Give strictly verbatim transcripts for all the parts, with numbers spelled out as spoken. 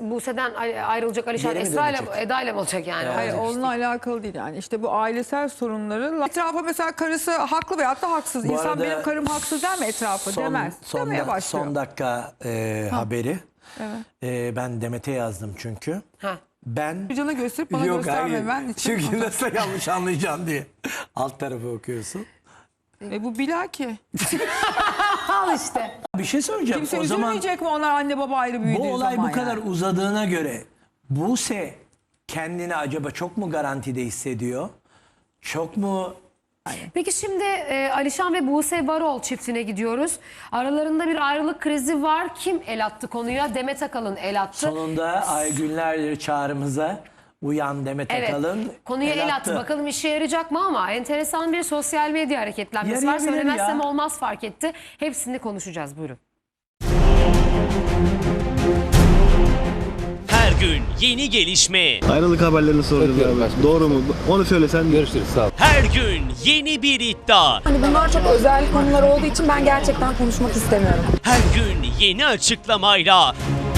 Buse'den ayrılacak Alişan Geri mi Esra ile dönecek? Eda ile mi olacak yani? Evet. Hayır, Olacak onunla işte. alakalı değil yani. İşte bu ailesel sorunları. Etrafa mesela karısı haklı veyahut da haksız. Bu İnsan arada benim karım haksız der mi etrafı? Son, Demez. son, Demeye da- başlıyor. son dakika e, haberi. Evet. E, ben Demet'e yazdım çünkü. Ha. Ben Bir cana gösterip bana Yok, gösterme. hayır. Ben için. Çünkü nasıl yanlış anlayacaksın diye. Alt tarafı okuyorsun. E bu bilaki. Al işte. Bir şey söyleyeceğim. Kimse o zaman üzülmeyecek mi onlar anne baba ayrı büyüdüğü bu olay zaman bu kadar yani? uzadığına göre Buse kendini acaba çok mu garantide hissediyor? Çok mu? Peki şimdi e, Alişan ve Buse Varol çiftine gidiyoruz. Aralarında bir ayrılık krizi var. Kim el attı konuya? Demet Akalın el attı. Sonunda Aygünler çağrımıza uyan Demet Evet. Akalın Konuya el attı. Bakalım işe yarayacak mı ama enteresan bir sosyal medya hareketlenmesi var. Yarayabilir Söylemezsem ya. olmaz fark etti. Hepsini konuşacağız. Buyurun. Her gün yeni gelişme, Ayrılık haberlerini soracağız abi. Doğru mu? Onu söylesen. Görüşürüz. Sağ ol. her gün yeni bir iddia, Hani bunlar çok özel konular olduğu için ben gerçekten konuşmak istemiyorum. her gün yeni açıklamayla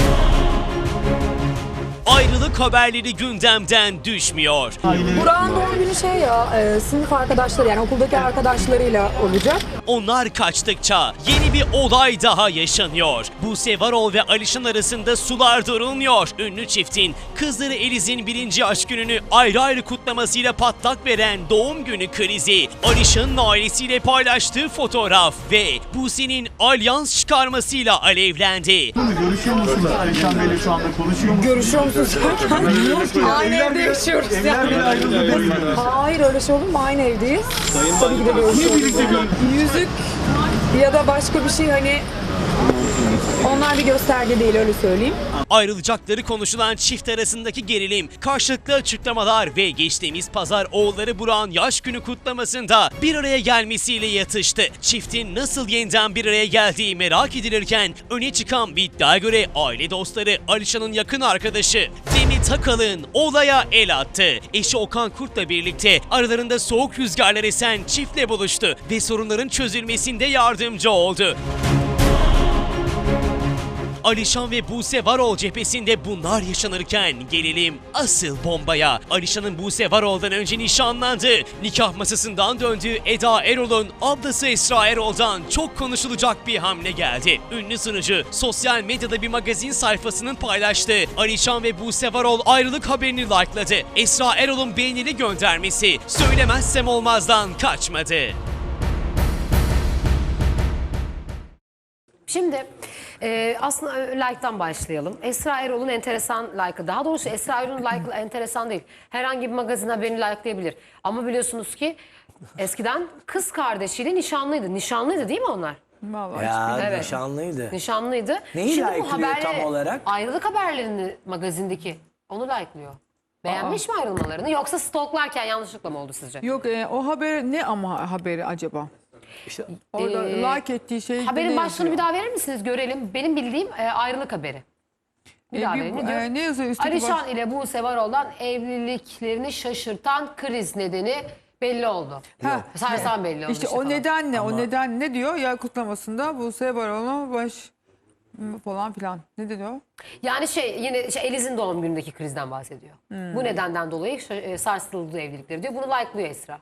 ayrılık haberleri gündemden düşmüyor. Burak'ın doğum günü şey ya, e, sınıf arkadaşları yani okuldaki arkadaşlarıyla olacak. Onlar kaçtıkça yeni bir olay daha yaşanıyor. Buse Varol ve Alişan arasında sular durulmuyor. Ünlü çiftin kızları Eliz'in birinci aşk gününü ayrı ayrı kutlamasıyla patlak veren doğum günü krizi, Alişan'ın ailesiyle paylaştığı fotoğraf ve Buse'nin alyans çıkarmasıyla alevlendi. Görüşüyor musunuz Alişan Bey'le şu anda konuşuyor musunuz? Görüşüyor musunuz? Aynı evde yaşıyoruz Evler bile ayrıldı değil mi? Hayır öyle şey olur mu? Aynı evdeyiz. Tabii ki de görüşüyoruz. Yüzük ya da başka bir şey hani onlar bir gösterge değil öyle söyleyeyim. Ayrılacakları konuşulan çift arasındaki gerilim, karşılıklı açıklamalar ve geçtiğimiz pazar oğulları Burak'ın yaş günü kutlamasında bir araya gelmesiyle yatıştı. Çiftin nasıl yeniden bir araya geldiği merak edilirken öne çıkan bir iddiaya göre aile dostları Alişan'ın yakın arkadaşı Demet Akalın olaya el attı. Eşi Okan Kurt'la birlikte aralarında soğuk rüzgarlar esen çiftle buluştu ve sorunların çözülmesinde yardımcı oldu. Alişan ve Buse Varol cephesinde bunlar yaşanırken gelelim asıl bombaya. Alişan'ın Buse Varol'dan önce nişanlandı. Nikah masasından döndüğü Eda Erol'un ablası Esra Erol'dan çok konuşulacak bir hamle geldi. Ünlü sunucu sosyal medyada bir magazin sayfasının paylaştığı Alişan ve Buse Varol ayrılık haberini likeladı. Esra Erol'un beğenili göndermesi söylemezsem olmazdan kaçmadı. Şimdi e, aslında like'tan başlayalım. Esra Erol'un enteresan like'ı. Daha doğrusu Esra Erol'un like'ı enteresan değil. Herhangi bir magazin haberini like'layabilir. Ama biliyorsunuz ki eskiden kız kardeşiyle nişanlıydı. Nişanlıydı değil mi onlar? Vallahi Ya Evet. nişanlıydı. Nişanlıydı. Neyi Şimdi bu like'lıyor haberleri- tam olarak? Ayrılık haberlerini magazindeki. Onu like'lıyor. Beğenmiş mi ayrılmalarını yoksa stalklarken yanlışlıkla mı oldu sizce? Yok e, o haber ne ama haberi acaba? İşte Orada Ee, like ettiği şey Haberin ne başlığını bir yazıyor? daha verir misiniz görelim. Benim bildiğim e, ayrılık haberi. Bir E, daha bir- verin. Ne diyor? e, ne yazıyor üstteki Alişan baş- ile Buse Varol'dan evliliklerini şaşırtan kriz nedeni belli oldu. Ha, Sarsan belli oldu. İşte işte o falan. neden ne? Ama- O neden ne diyor? Ya kutlamasında Buse Varol'un baş falan filan. Ne dedi o? Yani şey yine şey, Eliz'in doğum günündeki krizden bahsediyor. Hmm. Bu nedenden dolayı şa- e, sarsıldı evlilikleri diyor. Bunu like'lıyor Esra.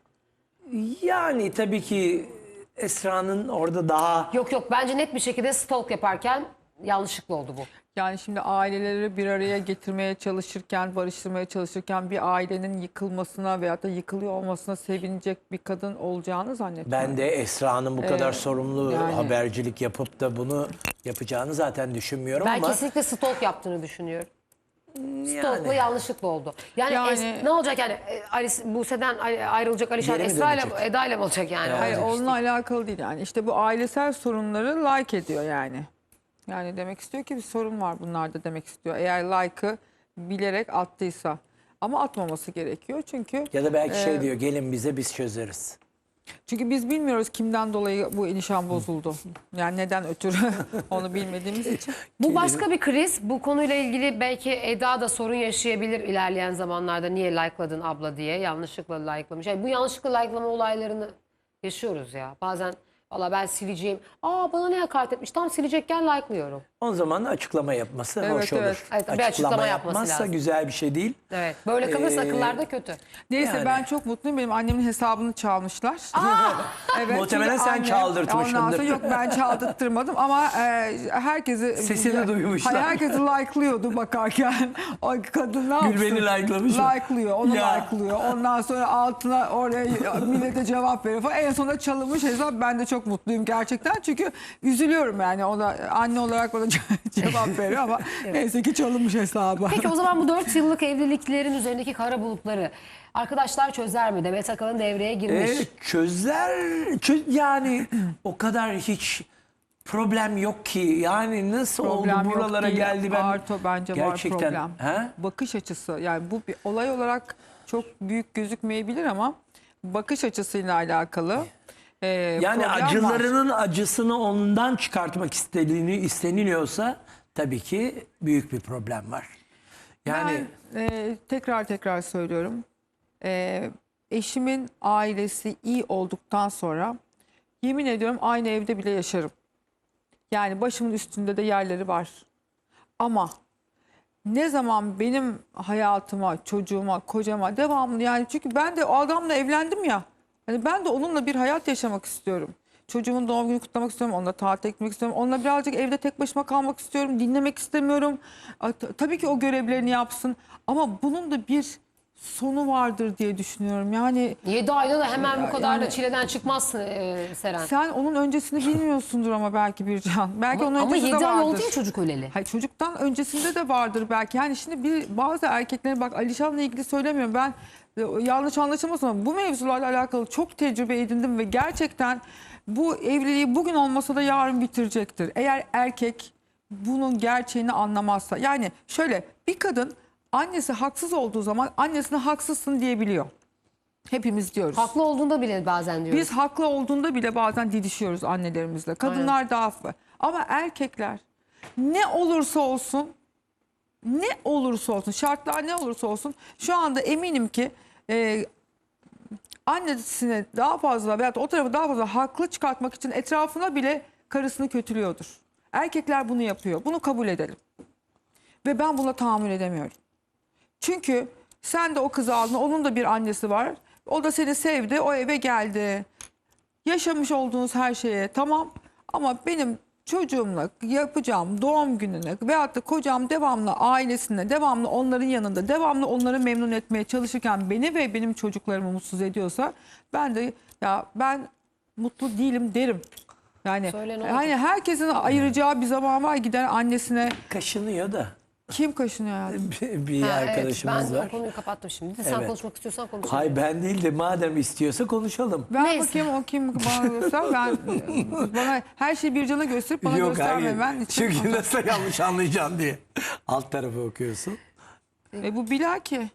yani tabii ki Esra'nın orada daha Yok yok bence net bir şekilde stalk yaparken yanlışlıkla oldu bu. Yani şimdi aileleri bir araya getirmeye çalışırken, barıştırmaya çalışırken bir ailenin yıkılmasına veyahut da yıkılıyor olmasına sevinecek bir kadın olacağını zannetmiyorum. ben de Esra'nın bu kadar sorumlu yani- habercilik yapıp da bunu yapacağını zaten düşünmüyorum Ben ama kesinlikle stalk yaptığını düşünüyorum. Stalk'la yani yanlışlıkla oldu. Yani, Yani- es- ne olacak yani e, Alice, Buse'den ay- ayrılacak Alişan Geri mi Esra ile dönecek? Eda ile mi olacak yani? Hayır Olacak onunla alakalı değil yani. İşte bu ailesel sorunları like ediyor yani. Yani demek istiyor ki bir sorun var bunlarda demek istiyor. Eğer like'ı bilerek attıysa. Ama atmaması gerekiyor çünkü ya da belki şey e, diyor gelin bize biz çözeriz. çünkü biz bilmiyoruz kimden dolayı bu ilişan bozuldu. Yani neden ötürü onu bilmediğimiz için. Bu başka bir kriz. Bu konuyla ilgili belki Eda da sorun yaşayabilir ilerleyen zamanlarda. Niye like'ladın abla diye yanlışlıkla like'lamış. Yani bu yanlışlıkla like'lama olaylarını yaşıyoruz ya. Bazen Valla ben sileceğim. Aa bana ne hakaret etmiş. Tam silecekken like'lıyorum. O zaman açıklama yapması Evet, hoş olur. evet. Evet, bir açıklama yapması yapmazsa lazım. güzel bir şey değil. Evet. Böyle kalırsa Ee, akıllarda kötü. Neyse Yani. ben çok mutluyum. Benim annemin hesabını çalmışlar. evet, Muhtemelen çünkü sen annem- çaldırtmışsındır. Ondan sonra yok ben çaldırttırmadım ama e, herkesi... Sesini duymuşlar. Hayır, herkesi like'lıyordu bakarken. O kadın ne yapsın? Gülben'i like'lamış mı? Like'lıyor, onu Ya. like'lıyor. Ondan sonra altına oraya millete cevap veriyor falan. En sonunda çalınmış hesap. Ben de çok mutluyum gerçekten. Çünkü üzülüyorum yani. O da anne olarak bana cevap veriyor ama neyse ki çalınmış hesabı. Peki o zaman bu dört yıllık evliliklerin üzerindeki kara bulutları arkadaşlar çözer mi? Demet Akalın devreye girmiş. Evet, çözler çö- yani o kadar hiç problem yok ki. Yani nasıl Problem oldu yok buralara değil. geldi ben Arto bence gerçekten var problem. he? Bakış açısı yani bu bir olay olarak çok büyük gözükmeyebilir ama bakış açısıyla alakalı e, Yani problem var. acılarının acısını ondan çıkartmak istediğini isteniliyorsa tabii ki büyük bir problem var. Yani Ben e, tekrar tekrar söylüyorum. E, eşimin ailesi iyi olduktan sonra yemin ediyorum aynı evde bile yaşarım. Yani başımın üstünde de yerleri var. Ama ne zaman benim hayatıma, çocuğuma, kocama devamlı yani çünkü ben de o adamla evlendim ya. Hani ben de onunla bir hayat yaşamak istiyorum. Çocuğumun doğum günü kutlamak istiyorum, onunla tatile gitmek istiyorum. Onunla birazcık evde tek başıma kalmak istiyorum, dinlemek istemiyorum. A, t- Tabii ki o görevlerini yapsın ama bunun da bir sonu vardır diye düşünüyorum. Yani yedi ayda da hemen bu kadar da Yani- çileden çıkmazsın e, Seren. sen onun öncesini bilmiyorsundur ama belki Bircan. Belki onun Ama öncesi de yedi ay vardır. oldu ya çocuk öleli. Hayır, çocuktan öncesinde de vardır belki. Yani şimdi bir bazı erkeklerin bak Alişan'la ilgili söylemiyorum. Ben e, yanlış anlaşılmasın ama bu mevzularla alakalı çok tecrübe edindim ve gerçekten bu evliliği bugün olmasa da yarın bitirecektir. Eğer erkek bunun gerçeğini anlamazsa. Yani şöyle bir kadın annesi haksız olduğu zaman annesine haksızsın diyebiliyor. Hepimiz diyoruz. Haklı olduğunda bile bazen diyoruz. Biz haklı olduğunda bile bazen didişiyoruz annelerimizle. Kadınlar daha hafif. Ama erkekler ne olursa olsun ne olursa olsun şartlar ne olursa olsun şu anda eminim ki e, annesine daha fazla veyahut da o tarafı daha fazla haklı çıkartmak için etrafına bile karısını kötülüyordur. Erkekler bunu yapıyor. Bunu kabul edelim. Ve ben buna tahammül edemiyorum. Çünkü sen de o kızı aldın. Onun da bir annesi var. O da seni sevdi. O eve geldi. Yaşamış olduğunuz her şeye tamam. Ama benim çocuğumla yapacağım doğum gününe veyahut da kocam devamlı ailesine, devamlı onların yanında, devamlı onları memnun etmeye çalışırken beni ve benim çocuklarımı mutsuz ediyorsa ben de ya ben mutlu değilim derim. Yani Söyle ne oldu? hani herkesin ayıracağı bir zaman var gider annesine kaşınıyor da kim kaşınıyor yani? bir, bir Ha, arkadaşımız evet, ben var. o konuyu kapattım şimdi. Sen Evet. konuşmak istiyorsan konuş. Hay ben değil de madem istiyorsa konuşalım. Ver Neyse. bakayım o kim bana göster. Ben bana her şeyi bir cana gösterip bana Yok gösterme. hayır. Ben için- Çünkü nasıl yanlış anlayacaksın diye. Alt tarafı okuyorsun. E bu Bilal ki.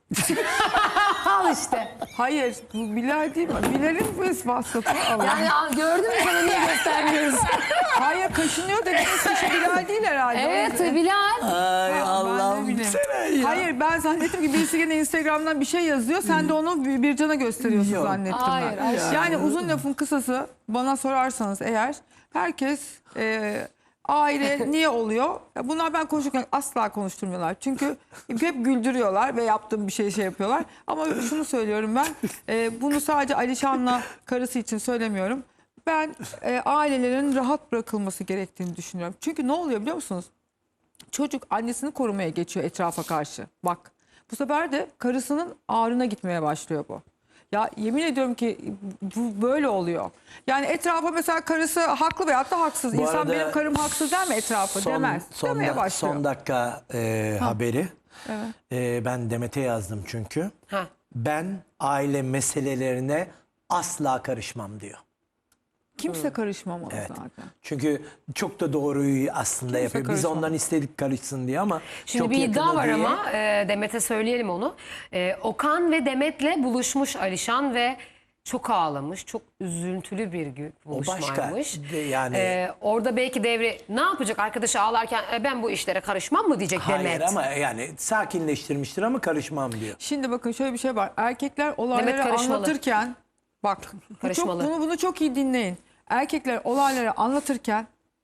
Al işte. Hayır bu Bilal değil mi? Bilal'in bu vasfı. Allah. Yani al, gördün mü sana niye göstermiyoruz? Hayır kaşınıyor dediğiniz kişi Bilal değil herhalde. Evet Bilal. Ay Ha, ben de Allah'ım bileyim. Seren ya. Hayır ben zannettim ki birisi gene Instagram'dan bir şey yazıyor. Sen de onu bir, bir cana gösteriyorsun Yok. zannettim Hayır, ben. hayır. Yani uzun lafın kısası bana sorarsanız eğer herkes e, aile niye oluyor? Ya bunlar ben konuşurken asla konuşturmuyorlar. Çünkü hep güldürüyorlar ve yaptığım bir şey şey yapıyorlar. Ama şunu söylüyorum ben. e, bunu sadece Alişan'la karısı için söylemiyorum. Ben e, ailelerin rahat bırakılması gerektiğini düşünüyorum. Çünkü ne oluyor biliyor musunuz? Çocuk annesini korumaya geçiyor etrafa karşı. Bak bu sefer de karısının ağrına gitmeye başlıyor bu. Ya yemin ediyorum ki bu böyle oluyor. Yani etrafa mesela karısı haklı veyahut da haksız. Bu İnsan arada benim karım haksız der mi etrafa? Son, Demez. son, Demeye da- başlıyor. son dakika e, haberi. Evet. E, ben Demet'e yazdım çünkü. Ha. Ben aile meselelerine asla karışmam diyor. Kimse karışmamalı Evet. zaten. Çünkü çok da doğruyu aslında Kimse yapıyor. Biz karışmaz. ondan istedik karışsın diye ama Şimdi çok bir iddia yakını var değil. ama e, Demet'e söyleyelim onu. E, Okan ve Demet'le buluşmuş Alişan ve çok ağlamış. Çok üzüntülü bir gün buluşmaymış. başka. De- yani- E, orada belki devre ne yapacak arkadaşı ağlarken "E, ben bu işlere karışmam mı diyecek Hayır Demet. ama yani sakinleştirmiştir ama karışmam diyor. Şimdi bakın şöyle bir şey var. Erkekler olayları karışmalı. anlatırken bak bu çok, Karışmalı. bunu bunu çok iyi dinleyin. erkekler olayları anlatırken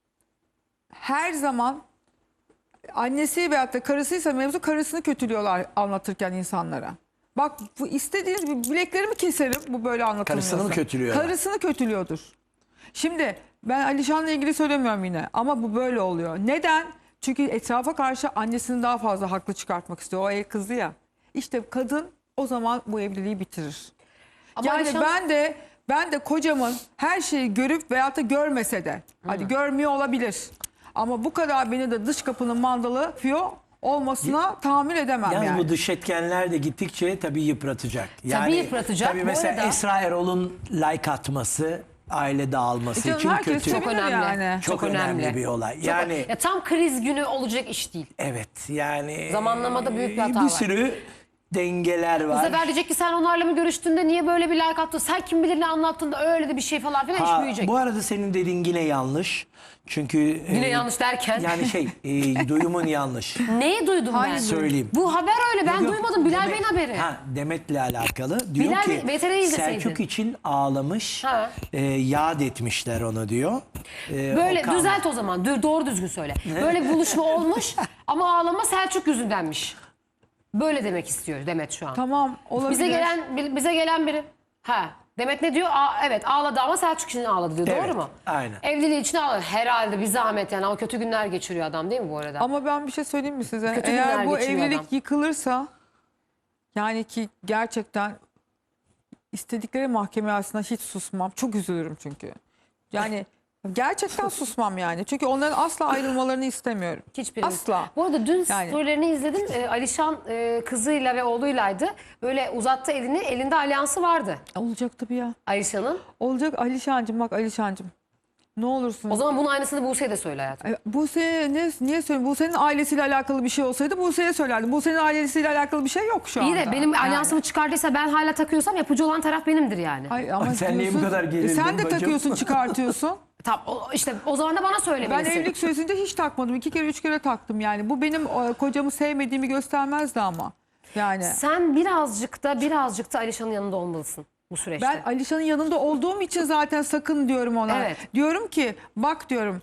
her zaman annesi veyahut da karısıysa mevzu karısını kötülüyorlar anlatırken insanlara. Bak bu istediğiniz bir bileklerimi keserim bu böyle anlatılmıyorsa. Karısını mı kötülüyorlar? Karısını kötülüyordur. Şimdi ben Alişan'la ilgili söylemiyorum yine ama bu böyle oluyor. Neden? Çünkü etrafa karşı annesini daha fazla haklı çıkartmak istiyor. O ev kızı ya. İşte kadın o zaman bu evliliği bitirir. Ama Yani Alişan- ben de ben de kocamın her şeyi görüp veyahut da görmese de hadi görmüyor olabilir. Ama bu kadar beni de dış kapının mandalı fiyo olmasına tahammül edemem Yalnız yani. bu dış etkenler de gittikçe tabii yıpratacak. Yani, yıpratacak. Tabii Bu mesela arada- Esra Erol'un like atması aile dağılması Canım için herkes kötü. sevinir Çok önemli. yani. Çok, önemli. bir olay. Çok- Yani ya tam kriz günü olacak iş değil. evet yani Zamanlamada büyük bir hata bir var. sürü dengeler Bu var. sefer diyecek ki sen onlarla mı görüştüğünde niye böyle bir like attın? Sen kim bilir ne anlattın da öyle de bir şey falan filan iş Ha, büyüyecek. bu arada senin dediğin yine yanlış. Çünkü Yine e, yanlış derken. yani şey e, duyumun yanlış. Neyi duydum ben? Söyleyeyim. Bu haber öyle ben Yok, duymadım. Bilal Demet- Bey'in haberi. Ha, Demet'le alakalı. Diyor Bilal ki Bey, V T R'yi izleseydin. Selçuk için ağlamış. Ha. E, yad etmişler onu diyor. E, Böyle Okan- düzelt o zaman. Dü- Doğru düzgün söyle. Böyle bir buluşma olmuş ama ağlama Selçuk yüzündenmiş. Böyle demek istiyor Demet şu an. Tamam olabilir. Bize gelen bi- bize gelen biri. Ha. Demet ne diyor? Aa, evet ağladı ama Selçuk için ağladı diyor. Evet, Doğru mu? aynen. Evliliği için ağladı. Herhalde bir zahmet yani. Ama kötü günler geçiriyor adam değil mi bu arada? Ama ben bir şey söyleyeyim mi size? Kötü günler Eğer bu geçiriyor evlilik adam. yıkılırsa yani ki gerçekten istedikleri mahkeme aslında hiç susmam. Çok üzülürüm çünkü. Yani gerçekten susmam yani. Çünkü onların asla ayrılmalarını istemiyorum. Hiçbirimiz. Asla. Bu arada dün Yani. storylerini izledim. Ee, Alişan e, kızıyla ve oğluylaydı. Böyle uzattı elini. Elinde alyansı vardı Olacak tabii ya. Alişan'ın. Olacak Alişancığım bak Alişancığım. Ne olursun. O zaman bunun aynısını Buse'ye de söyle hayatım. E, Buse ne, niye söyleyeyim? Buse'nin ailesiyle alakalı bir şey olsaydı Buse'ye söylerdim. Buse'nin ailesiyle alakalı bir şey yok şu anda. İyi de benim Yani. alyansımı çıkardıysa ben hala takıyorsam yapıcı olan taraf benimdir yani. Ay, ama Ay, sen niye bu diyorsun- kadar E, gerildin Sen de bacım? takıyorsun çıkartıyorsun. Tamam o- işte o zaman da bana Ben söylemelisin. evlilik süresince hiç takmadım. İki kere üç kere taktım yani. Bu benim e, kocamı sevmediğimi göstermezdi ama. Yani Sen birazcık da birazcık da Alişan'ın yanında olmalısın bu süreçte. ben Alişan'ın yanında olduğum için zaten sakın diyorum ona. Evet. Diyorum ki bak diyorum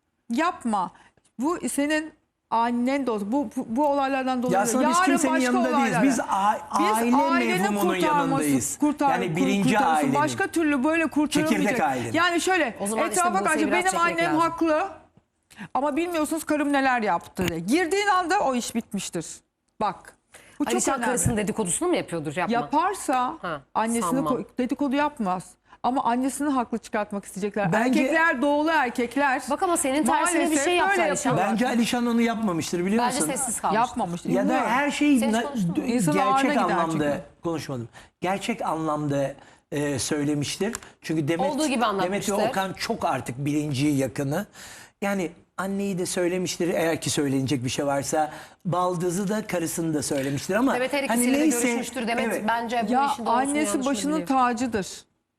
yapma. Bu senin annen de olsun. Bu, bu, bu olaylardan dolayı. Ya aslında biz Yarın kimsenin başka yanında değiliz. olaylara. Biz, a- aile ailenin mevhumunun kurtarması- yanındayız. kurtar- yani birinci kurtarırsın. ailenin. Başka türlü böyle kurtaramayacak. Çekirdek ailenin. Yani şöyle O zaman işte etrafa Buse'yi karşı biraz benim çekmek annem lazım. haklı. Ama bilmiyorsunuz karım neler yaptı diye. Girdiğin anda o iş bitmiştir. Bak. Bu çok Alişan önemli. karısının dedikodusunu mu yapıyordur yapma. Yaparsa Ha, annesini sanmam. ko- dedikodu yapmaz. Ama annesini haklı çıkartmak isteyecekler. Bence- Erkekler doğulu erkekler. Bak ama senin tersine bir maalesef şey yaptı böyle Alişan. yapıyorlar. Bence Alişan onu yapmamıştır biliyor Bence musun? sessiz kalmış. Yapmamış. Ya da Bilmiyorum. her şeyi Sen hiç na- konuştun mu? d- İnsanın ağrına gerçek gider anlamda çünkü. konuşmadım. Gerçek anlamda e, söylemiştir. Çünkü Demet, Olduğu gibi Demet ve anlatmıştır. Okan çok artık bilinci yakını. Yani anneyi de söylemiştir eğer ki söylenecek bir şey varsa. Baldızı da karısını da söylemiştir ama Demet her hani ikisiyle de neyse, görüşmüştür. Demet evet. bence bu Ya işin doğrusunu annesi yanlışını başının biliyor. tacıdır.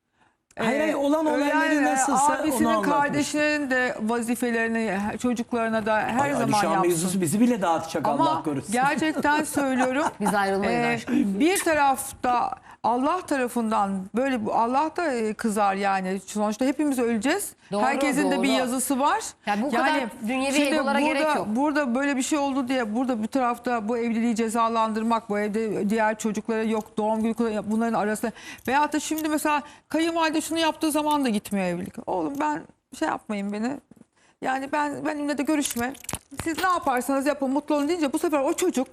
Hayır, hayır, olan Ee, olayları ölen, nasılsa onu abisinin, anlatmış. kardeşinin de vazifelerini çocuklarına da her Ay, zaman Alişan yapsın. mevzusu bizi bile dağıtacak Allah Ama korusun. gerçekten söylüyorum. Biz ayrılmayız Ee, aşkım. bir tarafta Allah tarafından böyle bu Allah da e, kızar yani. Sonuçta hepimiz öleceğiz. Doğru, Herkesin de bir doğru. yazısı var. Ya bu kadar dünyevi şimdi egolara burada, gerek yok. Burada böyle bir şey oldu diye burada bir tarafta bu evliliği cezalandırmak, bu evde diğer çocuklara yok doğum günü kutlamak, bunların arasında veyahut da şimdi mesela kayınvalide şunu yaptığı zaman da gitmiyor evlilik. Oğlum ben şey yapmayın beni. Yani ben benimle de görüşme. Siz ne yaparsanız yapın mutlu olun deyince bu sefer o çocuk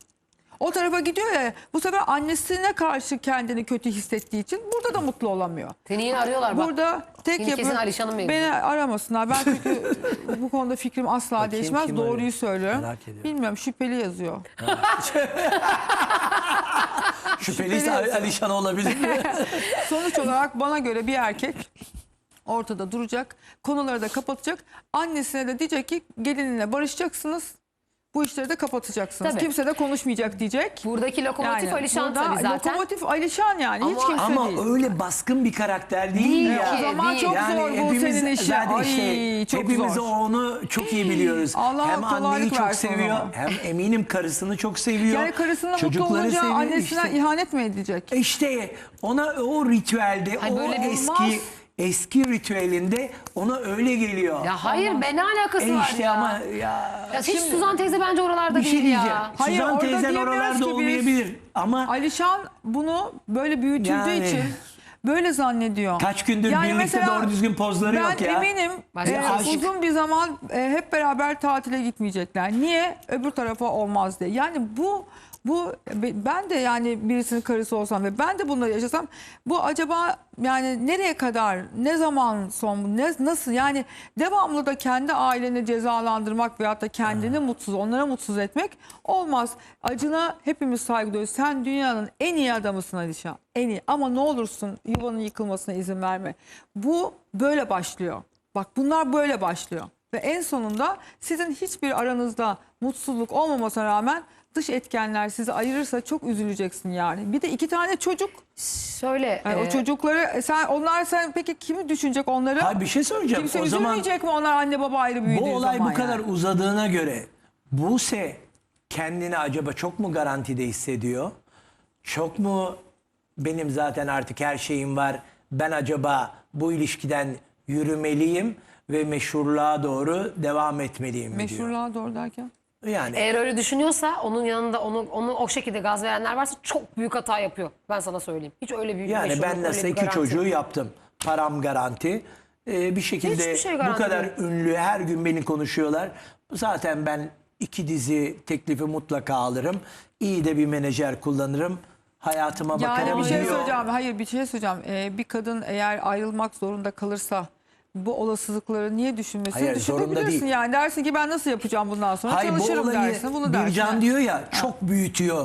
o tarafa gidiyor ya bu sefer annesine karşı kendini kötü hissettiği için burada da mutlu olamıyor. Seni yine arıyorlar bak. Burada tek Seni kesin yapı Alişan'ın mevzu. beni aramasınlar. Ben çünkü bu konuda fikrim asla Bakayım değişmez. kim Doğruyu arıyor? söylüyorum. Merak ediyorum. Bilmiyorum şüpheli yazıyor. Şüpheliyse şüpheli Alişan olabilir. Sonuç olarak bana göre bir erkek ortada duracak. Konuları da kapatacak. Annesine de diyecek ki gelininle barışacaksınız. Bu işleri de kapatacaksınız. Tabii. Kimse de konuşmayacak diyecek. Buradaki lokomotif Yani Alişan burada tabii zaten. Lokomotif Alişan yani. Hiç Ama- kimse Ama değil. öyle baskın bir karakter değil, Değil ya. ki. O zaman değil. çok Yani zor bu hepimiz senin işin. zaten Ay işte çok hepimiz zor. onu çok iyi biliyoruz. Allah hem anneyi kolaylık çok versin seviyor, ona. hem eminim karısını çok seviyor. Yani karısına mutlu çocukları olunca seviyor. annesine İşte, ihanet mi edecek? işte ona o ritüelde, Ay, o böyle bir- eski Olmaz. eski ritüelinde ona öyle geliyor. Ya hayır be ne alakası E var işte ya? ama ya Ya hiç Suzan teyze bence oralarda bir şey değil diyeceğim. ya. Hayır, Suzan orada teyzen diyemiyoruz oralarda ki biz. olmayabilir ama Alişan bunu böyle büyütüldüğü Yani. için böyle zannediyor. kaç gündür birlikte mesela doğru düzgün pozları ben yok ya. eminim Başka e, aşık. uzun bir zaman e, hep beraber tatile gitmeyecekler. Niye? Öbür tarafa olmaz diye. Yani bu bu ben de yani birisinin karısı olsam ve ben de bunları yaşasam bu acaba yani nereye kadar, ne zaman son, ne, nasıl yani devamlı da kendi aileni cezalandırmak veyahut da kendini mutsuz, onlara mutsuz etmek olmaz. Acına hepimiz saygı duyuyoruz. Sen dünyanın en iyi adamısın Alişan. En iyi ama ne olursun yuvanın yıkılmasına izin verme. Bu böyle başlıyor. Bak bunlar böyle başlıyor. Ve en sonunda sizin hiçbir aranızda mutsuzluk olmamasına rağmen dış etkenler sizi ayırırsa çok üzüleceksin yani. Bir de iki tane çocuk. Şöyle Yani e, o çocukları sen onlar sen peki kimi düşünecek onları? Hayır, bir şey söyleyeceğim. Kimse O zaman üzülmeyecek mi onlar anne baba ayrı büyüdüğü bu olay zaman bu kadar yani? uzadığına göre Buse kendini acaba çok mu garantide hissediyor? Çok mu benim zaten artık her şeyim var. Ben acaba bu ilişkiden yürümeliyim ve meşhurluğa doğru devam etmeliyim mi diyor. Meşhurluğa doğru derken? Yani eğer öyle düşünüyorsa onun yanında onu onu o şekilde gaz verenler varsa çok büyük hata yapıyor. Ben sana söyleyeyim. Hiç öyle büyük yani meşhurluk, ben öyle nasıl bir iki garanti. çocuğu yaptım. Param garanti. Ee, bir şekilde Hiçbir şey bu garanti kadar değil. ünlü her gün beni konuşuyorlar. Zaten ben iki dizi teklifi mutlaka alırım. İyi de bir menajer kullanırım. Hayatıma Yani bakarım bir şey diyor. söyleyeceğim. Hayır bir şey söyleyeceğim. Ee, bir kadın eğer ayrılmak zorunda kalırsa bu olasılıkları niye düşünmesin? Hayır, zorunda Düşünebilirsin değil. yani. Dersin ki ben nasıl yapacağım bundan sonra? Hayır, bu Çalışırım olayı dersin. Bunu dersin. Bircan diyor ya çok büyütüyor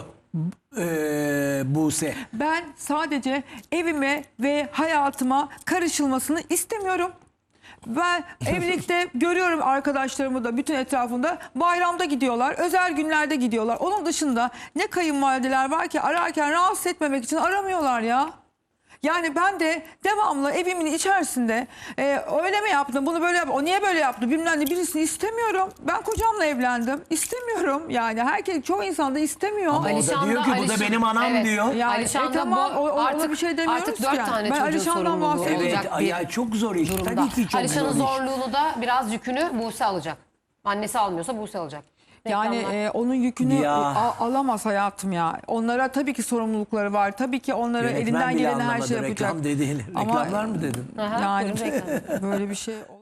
e, Buse. Ben sadece evime ve hayatıma karışılmasını istemiyorum. Ben evlilikte görüyorum arkadaşlarımı da bütün etrafında bayramda gidiyorlar, özel günlerde gidiyorlar. Onun dışında ne kayınvalideler var ki ararken rahatsız etmemek için aramıyorlar ya. Yani ben de devamlı evimin içerisinde e, öyle mi yaptın bunu böyle yap, o niye böyle yaptı bilmem ne birisini istemiyorum. Ben kocamla evlendim istemiyorum yani herkes çoğu insan da istemiyor. Ama o da Alişan diyor ki bu da Alişan- benim anam evet. diyor. Yani, Alişan e, da tamam, bu o- ona artık, bir şey demiyoruz artık ki dört yani. tane Ben çocuğun Alişan'dan sorumluluğu bahsediyorum. Evet, olacak ay, bir ay, çok zor iş. durumda. Tabii ki çok Alişan'ın zor iş. zorluğunu da biraz yükünü Buse alacak. Annesi almıyorsa Buse alacak. Yani Reklamlar. e, onun yükünü Ya. a- alamaz hayatım ya. Onlara tabii ki sorumlulukları var. Tabii ki onlara Yönetmen elinden bile geleni her anlamadı şey yapacak. reklam dediğini. Ama- Reklamlar mı dedin? Aha, Yani buyurun, reklam. böyle bir şey